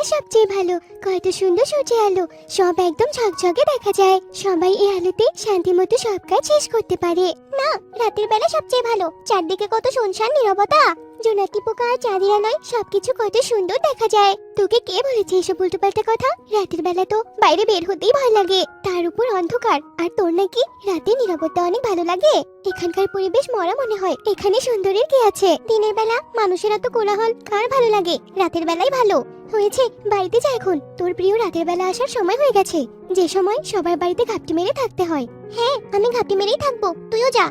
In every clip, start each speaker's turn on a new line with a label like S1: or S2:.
S1: সবচেয়ে ভালো। কত সুন্দর সূর্যের আলো, সব একদম ঝকঝকে দেখা যায়। সবাই এই আলোতে শান্তিমতো সব কাজ শেষ করতে পারে। না, রাতের বেলা সবচেয়ে ভালো। চারদিকে কত শুনশান নীরবতা, জোনাকি পোকা আর চাঁদের আলোয় সবকিছু কত সুন্দর দেখা যায়। তোকে কে বলেছে এসব উল্টোপাল্টা কথা? রাতের বেলা তো বাইরে বের হতেই ভয় লাগে, তার উপর অন্ধকার। আর তোর নাকি রাতে নীরবতা অনেক ভালো লাগে? এখানকার পরিবেশ মরা মনে হয়। এখানে সুন্দরের কি আছে? দিনের বেলা মানুষের এত কোলাহল কার ভালো লাগে? রাতের বেলাই ভালো। হয়েছে, বাড়িতে যা এখন। তোর প্রিয় রাতের বেলা আসার সময় হয়ে গেছে, যে সময় সবার বাড়িতে ঘাপটি মেরে থাকতে হয়। হ্যাঁ, আমি ঘাপটি মেরেই থাকবো, তুইও যা।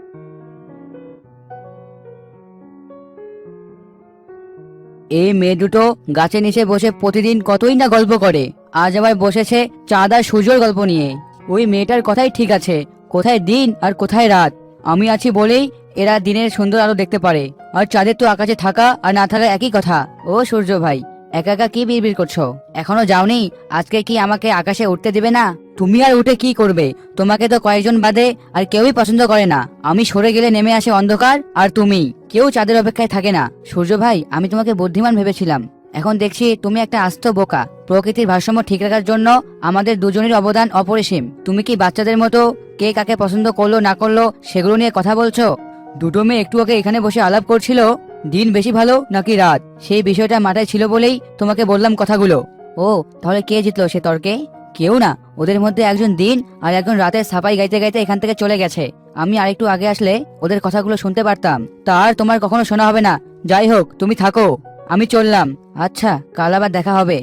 S2: এই মেয়ে দুটো গাছের নিচে বসে প্রতিদিন কতই না গল্প করে, আজ আবার বসেছে চাঁদ আর সূর্যর গল্প নিয়ে। ওই মেয়েটার কথাই ঠিক আছে, কোথায় দিন আর কোথায় রাত। আমি আছি বলেই এরা দিনের সুন্দর আলো দেখতে পারে, আর চাঁদের তো আকাশে থাকা আর না থাকা একই কথা। ও সূর্য ভাই, একা একা কি বিড়বিড় করছো? এখনো যাওনি? আজকে কি আমাকে আকাশে উঠতে দেবে না? তুমি আর উঠে কি করবে? তোমাকে তো কয়েকজন বাদে আর কেউই পছন্দ করে না। আমি সরে গেলে নেমে আসে অন্ধকার, আর তুমি কেউ চাঁদের অপেক্ষায় থাকে না। সূর্য ভাই, আমি তোমাকে বুদ্ধিমান ভেবেছিলাম, এখন দেখছি তুমি একটা আস্ত বোকা। প্রকৃতির ভারসাম্য ঠিক রাখার জন্য আমাদের দুজনের অবদান অপরিসীম। তুমি কি বাচ্চাদের মতো কে কাকে পছন্দ করলো না করলো সেগুলো নিয়ে কথা বলছো? দুটো মেয়ে একটু আগে এখানে বসে আলাপ করছিল দিন বেশি ভালো নাকি রাত, সেই বিষয়টা মাথায় ছিল বলেই তোমাকে বললাম কথাগুলো। ও, তাহলে কে জিতলো সে তর্কে? কেউ না, ওদের মধ্যে একজন দিন আর একজন রাতের সাপাই গাইতে গাইতে এখান থেকে চলে গেছে। আমি আরেকটু আগে আসলে ওদের কথাগুলো শুনতে পারতাম। তার তোমার কখনো শোনা হবে না। যাই হোক, তুমি থাকো, আমি চললাম। আচ্ছা, কাল আবার দেখা হবে।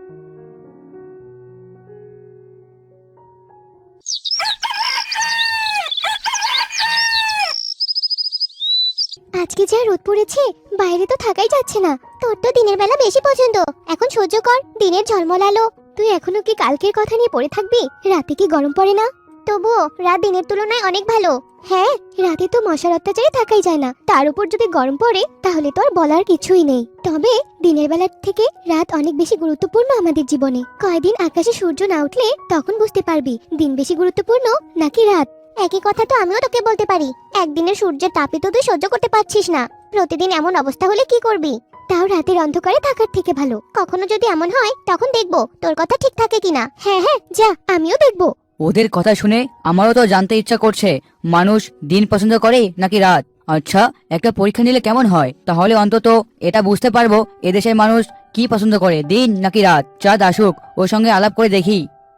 S1: আজকে যা রোদ পড়েছে, বাইরে তো থাকাই যাচ্ছে না। তোর তো দিনের বেলা বেশি পছন্দ, এখন সহ্য কর দিনের ঝলমল আলো। তুই এখনো কি কালকের কথা নিয়ে পড়ে থাকবি? রাতে কি গরম পড়ে না? তবুও রাত দিনের তুলনায় অনেক ভালো। হ্যাঁ, রাতে তো মশার অত্যাচারে থাকাই যায় না, তার উপর যদি গরম পড়ে তাহলে তো আর বলার কিছুই নেই। তবে দিনের বেলার থেকে রাত অনেক বেশি গুরুত্বপূর্ণ আমাদের জীবনে। কয়দিন আকাশে সূর্য না উঠলে তখন বুঝতে পারবি দিন বেশি গুরুত্বপূর্ণ নাকি রাত। একই কথা তো আমিও তোকে বলতে পারি। একদিনের সূর্যের তাপে তো তুই সহ্য করতে পারছিস না, প্রতিদিন এমন অবস্থা হলে কি করবি? তাও রাতের অন্ধকারে থাকার থেকে ভালো। কখনো যদি এমন হয় তখন দেখবো তোর কথা ঠিক থাকে কিনা। হ্যাঁ হ্যাঁ, যা, আমিও দেখবো।
S2: ওদের কথা শুনে আমারও তো জানতে ইচ্ছা করছে, মানুষ দিন পছন্দ করে নাকি রাত। আচ্ছা, একটা পরীক্ষা নিলে কেমন হয়? তাহলে অন্তত এটা বুঝতে পারবো এদেশের মানুষ কি পছন্দ করে, দিন নাকি রাত। চাঁদ আসুক, ওর সঙ্গে আলাপ করে দেখি।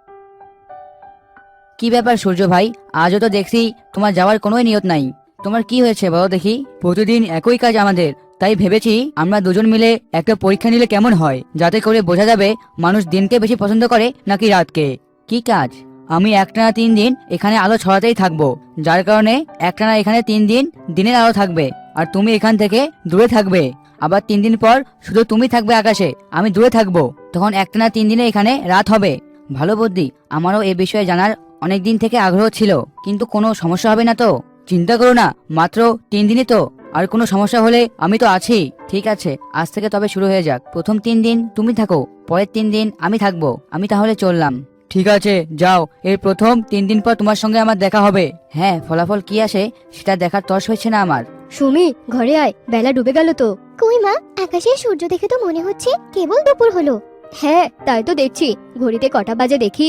S2: কি ব্যাপার সূর্য ভাই, আজও তো দেখছি তোমার যাওয়ার কোনো নিয়ত নাই। তোমার কি হয়েছে বলো দেখি? প্রতিদিন একই কাজ আমাদের, তাই ভেবেছি আমরা দুজন মিলে একটা পরীক্ষা নিলে কেমন হয়, যাতে করে বোঝা যাবে মানুষ দিনকে বেশি পছন্দ করে নাকি রাতকে। কি কাজ? আমি একটানা 3 দিন এখানে আলো ছড়াতেই থাকবো, যার কারণে একটানা এখানে 3 দিন দিনের আলো থাকবে, আর তুমি এখান থেকে দূরে থাকবে। আবার 3 দিন পর শুধু তুমি থাকবে আকাশে, আমি দূরে থাকবো, তখন একটানা 3 দিনে এখানে রাত হবে। ভালো বুদ্ধি। আমারও এ বিষয়ে জানার অনেক দিন থেকে আগ্রহ ছিল, কিন্তু কোনো সমস্যা হবে না তো? চিন্তা করো না, মাত্র 3 দিনই তো, আর কোনো সমস্যা হলে আমি তো আছি। ঠিক আছে, আজ থেকে তবে শুরু হয়ে যাক। প্রথম 3 দিন তুমি থাকো, পরের 3 দিন আমি থাকবো। আমি তাহলে চললাম। ঠিক আছে, যাও। এর প্রথম 3 দিন পর তোমার সঙ্গে আমার দেখা হবে। হ্যাঁ, ফলাফল কি আসে সেটা দেখার তর্স হয়েছে না আমার।
S3: সুমি, ঘরে আয়, বেলা ডুবে গেল তো।
S1: কই মা, আকাশে সূর্য দেখে তো মনে হচ্ছে কেবল দুপুর হলো।
S3: হ্যাঁ, তাই তো দেখছি। ঘড়িতে কটা বাজে দেখি।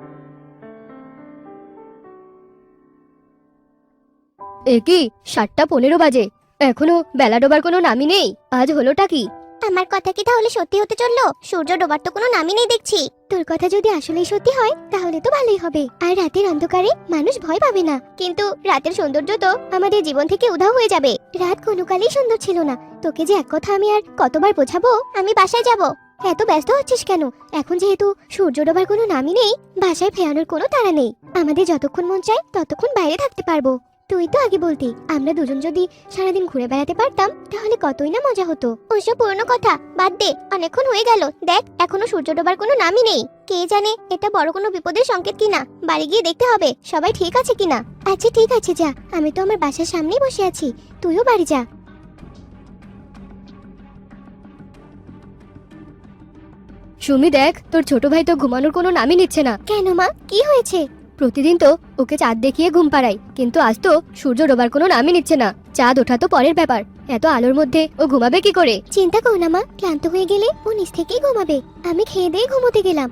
S3: এ কি, 7:15 বাজে, এখনো বেলা ডোবার কোনো নামই নেই। আজ হলোটা কি?
S1: আমার কথা কি তাহলে সত্যি হতে চললো? সূর্য ডোবার তো কোনো নামই নেই দেখছি। তোর কথা যদি আসলেই সত্যি হয় তাহলে তো ভালোই হবে, আর রাতের অন্ধকারে মানুষ ভয় পাবে না। কিন্তু রাতের সৌন্দর্য তো আমাদের জীবন থেকে উধাও হয়ে যাবে। রাত কোনো কালেই সুন্দর ছিল না। তোকে যে এক কথা আমি আর কতবার বোঝাবো। আমি বাসায় যাব। এত ব্যস্ত হচ্ছিস কেন? এখন যেহেতু সূর্য ডোবার কোনো নামই নেই, বাসায় ফেরানোর কোনো তাড়া নেই। আমাদের যতক্ষণ মন চায় ততক্ষণ বাইরে থাকতে পারবো। তুই তো আগে বলতি আমরা দুজন যদি সারাদিন ঘুরে বেড়াতে পারতাম তাহলে কতই না মজা হতো। ওইসব পুরনো কথা বাদ দে, অনেকক্ষণ হয়ে গেল। দেখ, এখনো সূর্য ডোবার কোনো নামই নেই। কে জানে এটা বড় কোনো বিপদের সংকেত কিনা। বাড়ি গিয়ে দেখতে হবে সবাই ঠিক আছে কিনা। আচ্ছা ঠিক আছে, যা। আমি তো আমার বাসার সামনেই বসে আছি, তুইও বাড়ি যা।
S3: সুমি দেখ, তোর ছোট ভাই তো ঘুমানোর কোনো নামই নিচ্ছে না।
S1: কেন মা, কি হয়েছে?
S3: প্রতিদিন তো ওকে চাঁদ দেখিয়ে ঘুম পাড়াই, কিন্তু আজ তো সূর্য ডোবার কোনো নামই নিচ্ছে না। চাঁদ ওঠা তো পরের ব্যাপার, এত আলোর মধ্যে ও ঘুমাবে কি করে?
S1: চিন্তা করো না মা, ক্লান্ত হয়ে গেলে ও নিজ থেকেই ঘুমাবে। আমি খেয়ে দিয়ে ঘুমোতে গেলাম।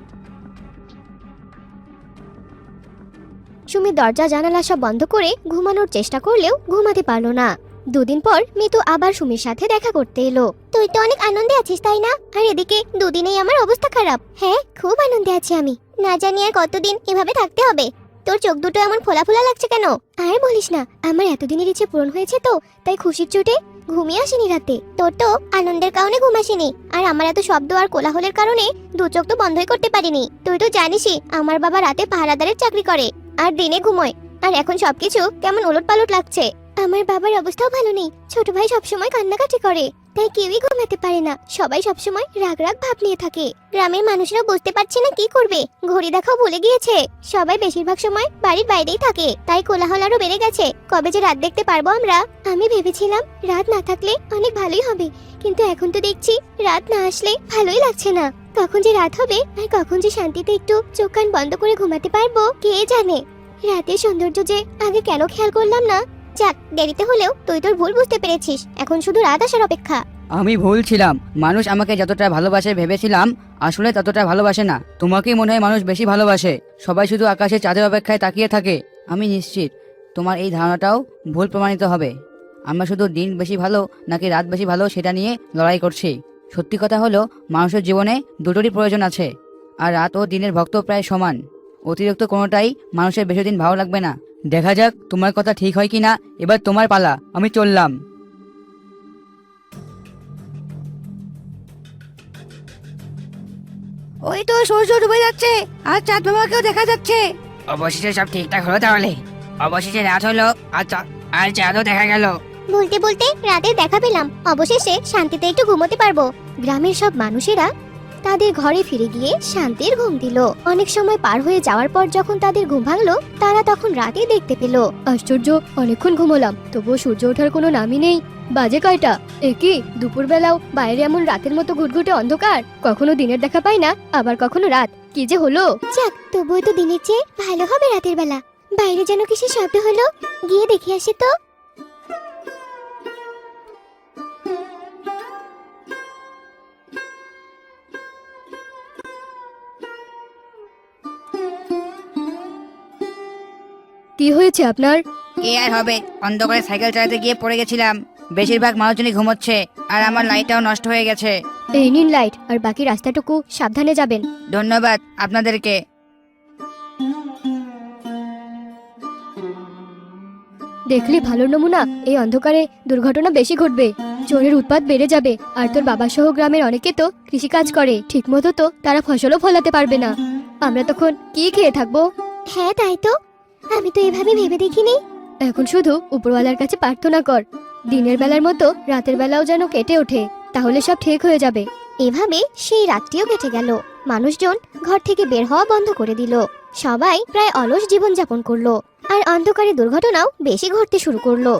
S1: সুমি দরজা জানালা সব বন্ধ করে ঘুমানোর চেষ্টা করলেও ঘুমাতে পারলো না। দুদিন পর মিতু আবার সুমির সাথে দেখা করতে এলো। তুই তো অনেক আনন্দে আছিস তাই না? আর এদিকে দুদিনেই আমার অবস্থা খারাপ। হ্যাঁ, খুব আনন্দে আছি আমি। না জানি আর কতদিন এভাবে থাকতে হবে। তোর চোখ দুটো এমন ফোলা ফোলা লাগছে কেন? আর বলিস না, আমার এতদিনের ইচ্ছে পূরণ হয়েছে তো, তাই খুশির চোটে ঘুমিয়ে আসেনি রাতে। তোর তো আনন্দের কারণে ঘুম আসেনি, আর আমার এত শব্দ আর কোলাহলের কারণে দু চোখ তো বন্ধই করতে পারিনি। তুই তো জানিসই আমার বাবা রাতে পাহারাদারের চাকরি করে আর দিনে ঘুমোয়, আর এখন সবকিছু কেমন ওলটপালট লাগছে। আমার বাবার অবস্থাও ভালো নেই, ছোট ভাই সবসময় কান্নাকাটি করে, তাই কেউই ঘুমাতে পারে না। সবাই সবসময় রাগ রাগ ভাব নিয়ে থাকে। গ্রামের মানুষরা বুঝতে পারছে না কি করবে, ঘড়ি দেখাও ভুলে গিয়েছে। সবাই বেশিরভাগ সময় বাড়ির বাইরেই থাকে, তাই কোলাহল আরো বেড়ে গেছে। কবে যে রাত দেখতে পারবো আমরা? আমি ভেবেছিলাম রাত না থাকলে অনেক ভালোই হবে, কিন্তু এখন তো দেখছি রাত না আসলে ভালোই লাগছে না। কখন যে রাত হবে আর কখন যে শান্তিতে একটু চোখ কান বন্ধ করে ঘুমাতে পারবো কে জানে। রাতের সৌন্দর্য যে আগে কেন খেয়াল করলাম না। যাক, দেরিতে হলেও তুই তোর ভুল বুঝতে পেরেছিস। এখন শুধু রাত আসার অপেক্ষা।
S2: আমি ভুল ছিলাম। মানুষ আমাকে যতটা ভালোবাসে ভেবেছিলাম, আসলে ততটা ভালোবাসে না। তোমাকেই মনে হয় মানুষ বেশি ভালোবাসে। সবাই শুধু আকাশে চাঁদের অপেক্ষায় তাকিয়ে থাকে। আমি নিশ্চিত তোমার এই ধারণাটাও ভুল প্রমাণিত হবে। আমরা শুধু দিন বেশি ভালো নাকি রাত বেশি ভালো সেটা নিয়ে লড়াই করছি। সত্যি কথা হলো, মানুষের জীবনে দুটোরই প্রয়োজন আছে, আর রাত ও দিনের ভক্ত প্রায় সমান। অতিরিক্ত কোনোটাই মানুষের বেশি দিন ভালো লাগবে না। দেখা যাক তোমার কথা ঠিক হয় কিনা। এবার তোমার পালা, আমি চললাম। ওই তো সূর্য ডুবে যাচ্ছে আর চাঁদ বাবাকেও দেখা যাচ্ছে। অবশেষে সব ঠিকঠাক হলো তাহলে। অবশেষে রাত হলো আর চাঁদও দেখা গেল।
S1: বলতে বলতে রাতে দেখা পেলাম। অবশেষে শান্তিতে একটু ঘুমোতে পারবো। গ্রামের সব মানুষেরা তাদের ঘরে ফিরে গিয়ে শান্তির ঘুম দিল। অনেক সময় পার হয়ে যাওয়ার পর যখন তাদের ঘুম ভাঙলো, তারা তখন রাতে দেখতে পেল।
S3: আশ্চর্য, অনেকক্ষণ ঘুমোলাম তবুও সূর্য ওঠার কোনো নামই নেই। বাজে কয়টা? কি দুপুরবেলাও বাইরে এমন রাতের মতো ঘুটঘুটে অন্ধকার? কখনো দিনের দেখা পাই না, আবার কখনো রাত। কি যে হলো!
S1: যাক, তবুও তো দিনের চেয়ে ভালো হবে রাতের বেলা। বাইরে যেন কিসের শব্দ হলো, গিয়ে দেখে আসি তো।
S3: কি হয়েছে আপনার?
S2: কি আর হবে, অন্ধকারে সাইকেল চালাতে গিয়ে পড়ে গেছিলাম। বেশিরভাগ মানুষজনই ঘুমোচ্ছে আর আমার লাইটটাও নষ্ট হয়ে গেছে।
S3: এই নিন লাইট, আর বাকি রাস্তাটুকু সাবধানে যাবেন।
S2: ধন্যবাদ আপনাদেরকে।
S3: দেখলি ভালো নমুনা, এই অন্ধকারে দুর্ঘটনা বেশি ঘটবে, চোরের উৎপাত বেড়ে যাবে। আর তোর বাবা সহ গ্রামের অনেকে তো কৃষিকাজ করে, ঠিক মতো তো তারা ফসলও ফলাতে পারবে না। আমরা তখন কি খেয়ে থাকবো?
S1: হ্যাঁ তাই তো, আমি তো এভাবে ভেবে দেখিনি।
S3: এখন শুধু উপরওয়ালার কাছে প্রার্থনা কর, দিনের বেলার মতো রাতের বেলাও যেন কেটে ওঠে, তাহলে সব ঠিক হয়ে যাবে।
S1: এভাবে সেই রাতটিও কেটে গেল। মানুষজন ঘর থেকে বের হওয়া বন্ধ করে দিল। সবাই প্রায় অলস জীবন যাপন করলো, আর অন্ধকারে দুর্ঘটনাও বেশি ঘটতে শুরু করলো।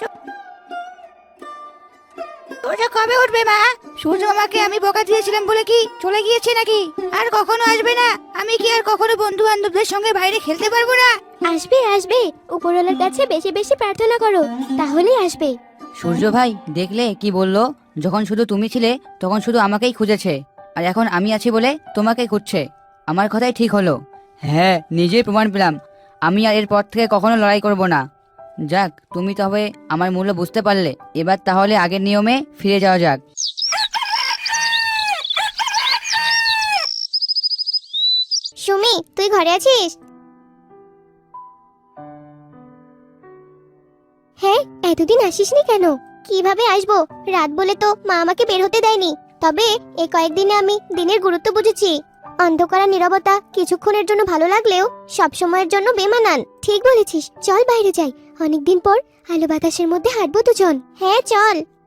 S2: সূর্য কবে উঠবে মা? সূর্য আমাকে আমি বকা দিয়েছিলাম বলে কি চলে গিয়েছে নাকি? আর কখনো আসবে না? আমি কি আর কখনো বন্ধু বান্ধবদের সঙ্গে বাইরে খেলতে পারবো না?
S1: আসবে আসবে, উপরওয়ালার কাছে বেশি বেশি প্রার্থনা করো, তাহলেই আসবে।
S2: সূর্য ভাই দেখলে কি বললো? যখন শুধু তুমি ছিলে তখন শুধু আমাকেই খুঁজেছে, আর এখন আমি আছি বলে তোমাকেই খুঁজছে। আমার কথাই ঠিক হলো। হ্যাঁ, নিজেই প্রমাণ পেলাম। আমি আর এরপর থেকে কখনো লড়াই করব না। যাক, তুমি তবে আমার মূল্য বুঝতে পারলে। এবার তাহলে আগের নিয়মে ফিরে যাওয়া যাক।
S1: সুমি, তুই ঘরে আছিস? হ্যাঁ, এতদিন আসিসনি কেন? কিভাবে আসবো? রাত বলে তো মা আমাকে বের হতে দেয়নি। তবে এই কয়েকদিনে আমি দিনের গুরুত্ব বুঝেছি। অন্ধকার আর নীরবতা কিছুক্ষণের জন্য ভালো লাগলেও সব সময়ের জন্য বেমানান। ঠিক বলেছিস, চল বাইরে যাই। অনেকদিন পর আলো বাতাসের মধ্যে হাঁটবো দুজন। হ্যাঁ চল।